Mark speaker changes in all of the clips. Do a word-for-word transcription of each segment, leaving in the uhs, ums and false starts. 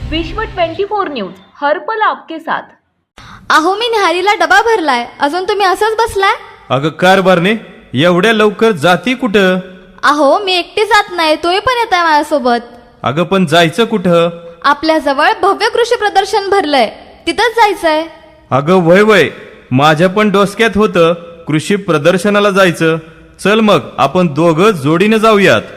Speaker 1: विश्व चोवीस न्यूज हर्पल आपके साथ।
Speaker 2: अहो मी न्याहारीला डबा भरलाय, अजून तुम्ही असंच बसलाय?
Speaker 3: अगं कारभारने एवढ्या लवकर जाती कुठं?
Speaker 2: अहो मी एकटी जात नाही, तुम्ही पण येताय माझ्यासोबत.
Speaker 3: अगं पण जायचं कुठं?
Speaker 2: आपल्या जवळ भव्य कृषी प्रदर्शन भरलंय, तिथंच जायचंय.
Speaker 3: अगं वय वय माझ्या पण डोसक्यात होतं कृषी प्रदर्शनाला जायचं. चल मग आपण दोघं जोडीनं जाऊयात.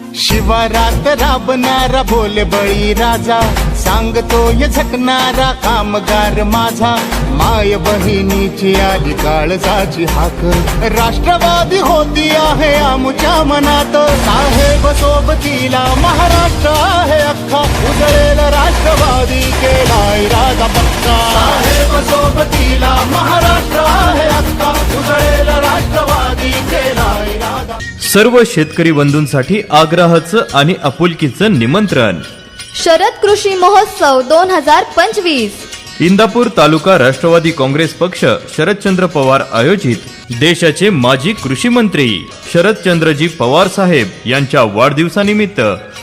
Speaker 4: शिवारात राबणारा बोले बळी राजा, सांगतोय झकणारा कामगार माझा. माय बहिणीची आली काळजाची हाक, राष्ट्रवादी होती आहे आमच्या मनात. साहेब सोबतीला महाराष्ट्र आहे अख्खा, उजळेल राष्ट्रवादी केलाय राजा पक्का. साहेब सोबतीला महाराष्ट्र आहे अख्खा, उजळेल राष्ट्रवादी केलाय राजा.
Speaker 3: सर्व शेतकरी बंधूंसाठी आग्रहाचं आणि आपुलकीचं निमंत्रण.
Speaker 2: शरद कृषी महोत्सव दोन हजार पंचवीस.
Speaker 3: इंदापूर तालुका राष्ट्रवादी काँग्रेस पक्ष शरदचंद्र पवार आयोजित देशाचे माजी कृषी मंत्री शरदचंद्रजी पवार साहेब यांच्या वाढदिवसानिमित्त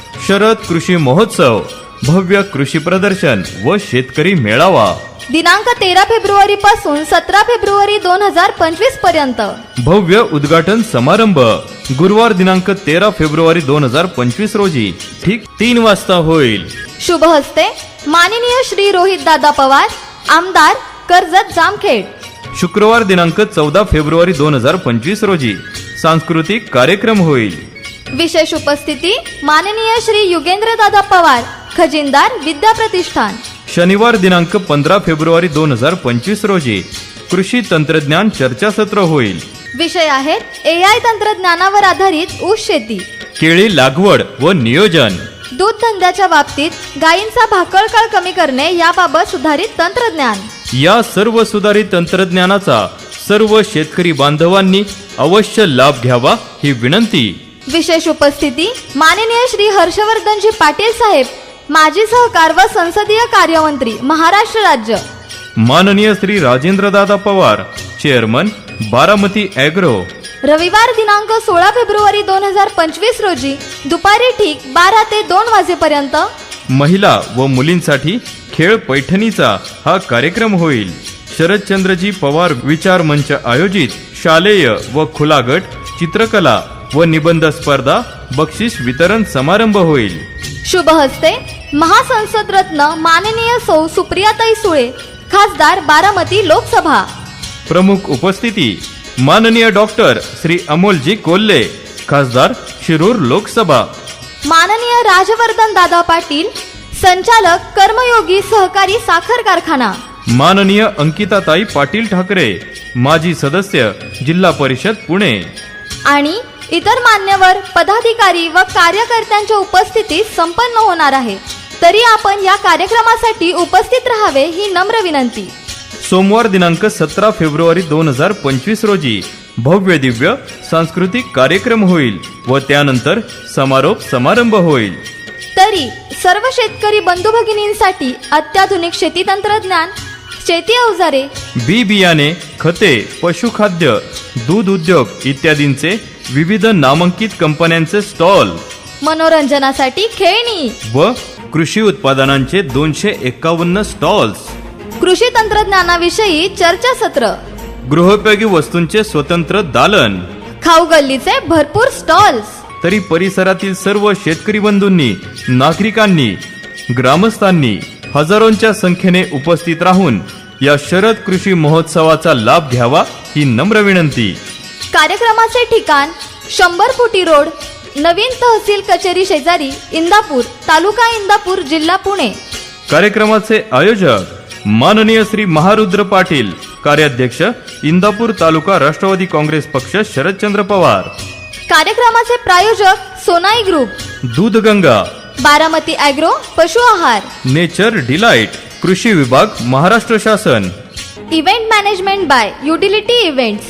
Speaker 3: शरद कृषी महोत्सव, भव्य कृषी प्रदर्शन व शेतकरी मेळावा
Speaker 2: दिनांक तेरा फेब्रुवारी पासून सतरा फेब्रुवारी दोन हजार पंचवीस पर्यंत.
Speaker 3: भव्य उद्घाटन समारंभ गुरुवार दिनांक तेरा फेब्रुवारी दोन हजार पंचवीस रोजी ठीक तीन वाजता होईल.
Speaker 2: शुभ हस्ते माननीय श्री रोहित दादा पवार, आमदार कर्जत जामखेड.
Speaker 3: शुक्रवार दिनांक चौदा फेब्रुवारी दोन हजार पंचवीस रोजी सांस्कृतिक कार्यक्रम होईल.
Speaker 2: विशेष उपस्थिती माननीय श्री युगेंद्र दादा पवार, खजिनदार विद्या प्रतिष्ठान.
Speaker 3: शनिवार दिनांक पंधरा फेब्रुवारी दोन हजार पंचवीस रोजी कृषी तंत्रज्ञान चर्चासत्र होईल.
Speaker 2: विषय आहेत ए आय तंत्रज्ञानावर आधारित ऊस शेती,
Speaker 3: केळी लागवड व नियोजन,
Speaker 2: दूध धंद्याच्या बाबतीत गायींचा भाकळकाळ कमी करणे याबाबत सुधारित तंत्रज्ञान.
Speaker 3: या सर्व सुधारित तंत्रज्ञानाचा सर्व शेतकरी बांधवांनी अवश्य लाभ घ्यावा ही विनंती.
Speaker 2: विशेष उपस्थिती माननीय श्री हर्षवर्धनजी पाटील साहेब, माजी सहकार व संसदीय कार्यमंत्री महाराष्ट्र राज्य.
Speaker 3: माननीय श्री राजेंद्रदादा पवार, चेअरमन बारामती ॲग्रो.
Speaker 2: रविवार दिनांक सोळा फेब्रुवारी दोन हजार पंचवीस रोजी दुपारी ठीक बारा ते दोन वाजेपर्यंत
Speaker 3: महिला व मुलींसाठी खेळ पैठणीचा हा कार्यक्रम होईल. शरदचंद्रजी पवार विचार मंच आयोजित शालेय व खुला गट चित्रकला व निबंध स्पर्धा बक्षीस वितरण समारंभ होईल.
Speaker 2: शुभ हस्ते महासंसद रत्न माननीय सौ सुप्रियाताई सुळे, खासदार बारामती लोकसभा.
Speaker 3: प्रमुख उपस्थिती माननीय डॉक्टर श्री अमोलजी कोल्हे, खासदार शिरूर लोकसभा.
Speaker 2: माननीय राजवर्धन दादा पाटील, संचालक कर्मयोगी सहकारी साखर कारखाना.
Speaker 3: माननीय अंकिताताई पाटील ठाकरे, माजी सदस्य जिल्हा परिषद पुणे.
Speaker 2: आणि इतर मान्यवर पदाधिकारी व कार्यकर्त्यांच्या उपस्थितीत संपन्न होणार आहे. तरी आपण या कार्यक्रमासाठी उपस्थित राहावे ही नम्र विनंती.
Speaker 3: सोमवार दिनांक सतरा फेब्रुवारी दोन हजार पंचवीस रोजी भव्य दिव्य सांस्कृतिक कार्यक्रम होईल व त्यानंतर समारोप समारंभ होईल.
Speaker 2: तरी सर्व शेतकरी बंधू भगिनींसाठी अत्याधुनिक शेती तंत्रज्ञान, शेती अवजारे,
Speaker 3: बी बियाणे, खते, पशुखाद्य, दूध उद्योग इत्यादींचे विविध नामांकित कंपन्यांचे स्टॉल,
Speaker 2: मनोरंजनासाठी खेळणी
Speaker 3: व कृषी उत्पादनांचे दोनशे एकावन्न स्टॉल्स,
Speaker 2: कृषी तंत्रज्ञानाविषयी चर्चासत्र,
Speaker 3: गृहोपयोगी वस्तूंचे स्वतंत्र दालन,
Speaker 2: खाऊ गल्लीचे भरपूर स्टॉल्स.
Speaker 3: तरी परिसरातील सर्व शेतकरी बंधूंनी, नागरिकांनी, ग्रामस्थांनी हजारोंच्या संख्येने उपस्थित राहून या शरद कृषी महोत्सवाचा लाभ घ्यावा ही नम्र विनंती.
Speaker 2: कार्यक्रमाचे ठिकाण शंभर फुटी रोड, नवीन तहसील कचेरी शेजारी, इंदापूर, तालुका इंदापूर, जिल्हा पुणे.
Speaker 3: कार्यक्रमाचे आयोजक माननीय श्री महारुद्र पाटील, कार्याध्यक्ष इंदापूर तालुका राष्ट्रवादी काँग्रेस पक्ष शरदचंद्र पवार.
Speaker 2: कार्यक्रमाचे प्रायोजक सोनाई ग्रुप,
Speaker 3: दूधगंगा,
Speaker 2: बारामती ॲग्रो, पशु आहार,
Speaker 3: नेचर डिलाइट, कृषी विभाग महाराष्ट्र शासन.
Speaker 2: Event management by utility events.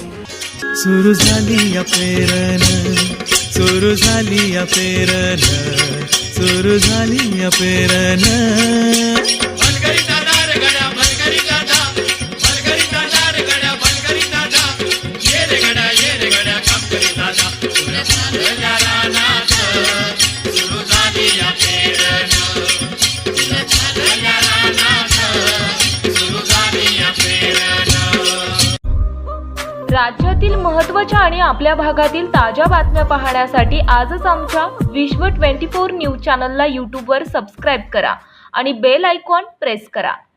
Speaker 5: सुरू झाली या प्रेरण, सुरू झाली या प्रेरण, सुरू झाली या प्रेरण.
Speaker 6: भलकरी दादा रे गड्या, भलकरी दादा, भलकरी दादा रे गड्या, भलकरी दादा. ये रे गड्या, ये रे गड्या, काम करी दादा. सुरू झाली या रानात, सुरू झाली या प्रेरण, सुरू झाली
Speaker 1: राज्यातील महत्त्वाच्या आणि आपल्या भागातील ताज्या बातम्या पाहण्यासाठी आजच आमच्या विश्व चोवीस न्यूज चॅनलला यूट्यूबवर सबस्क्राईब करा आणि बेल आयकॉन प्रेस करा.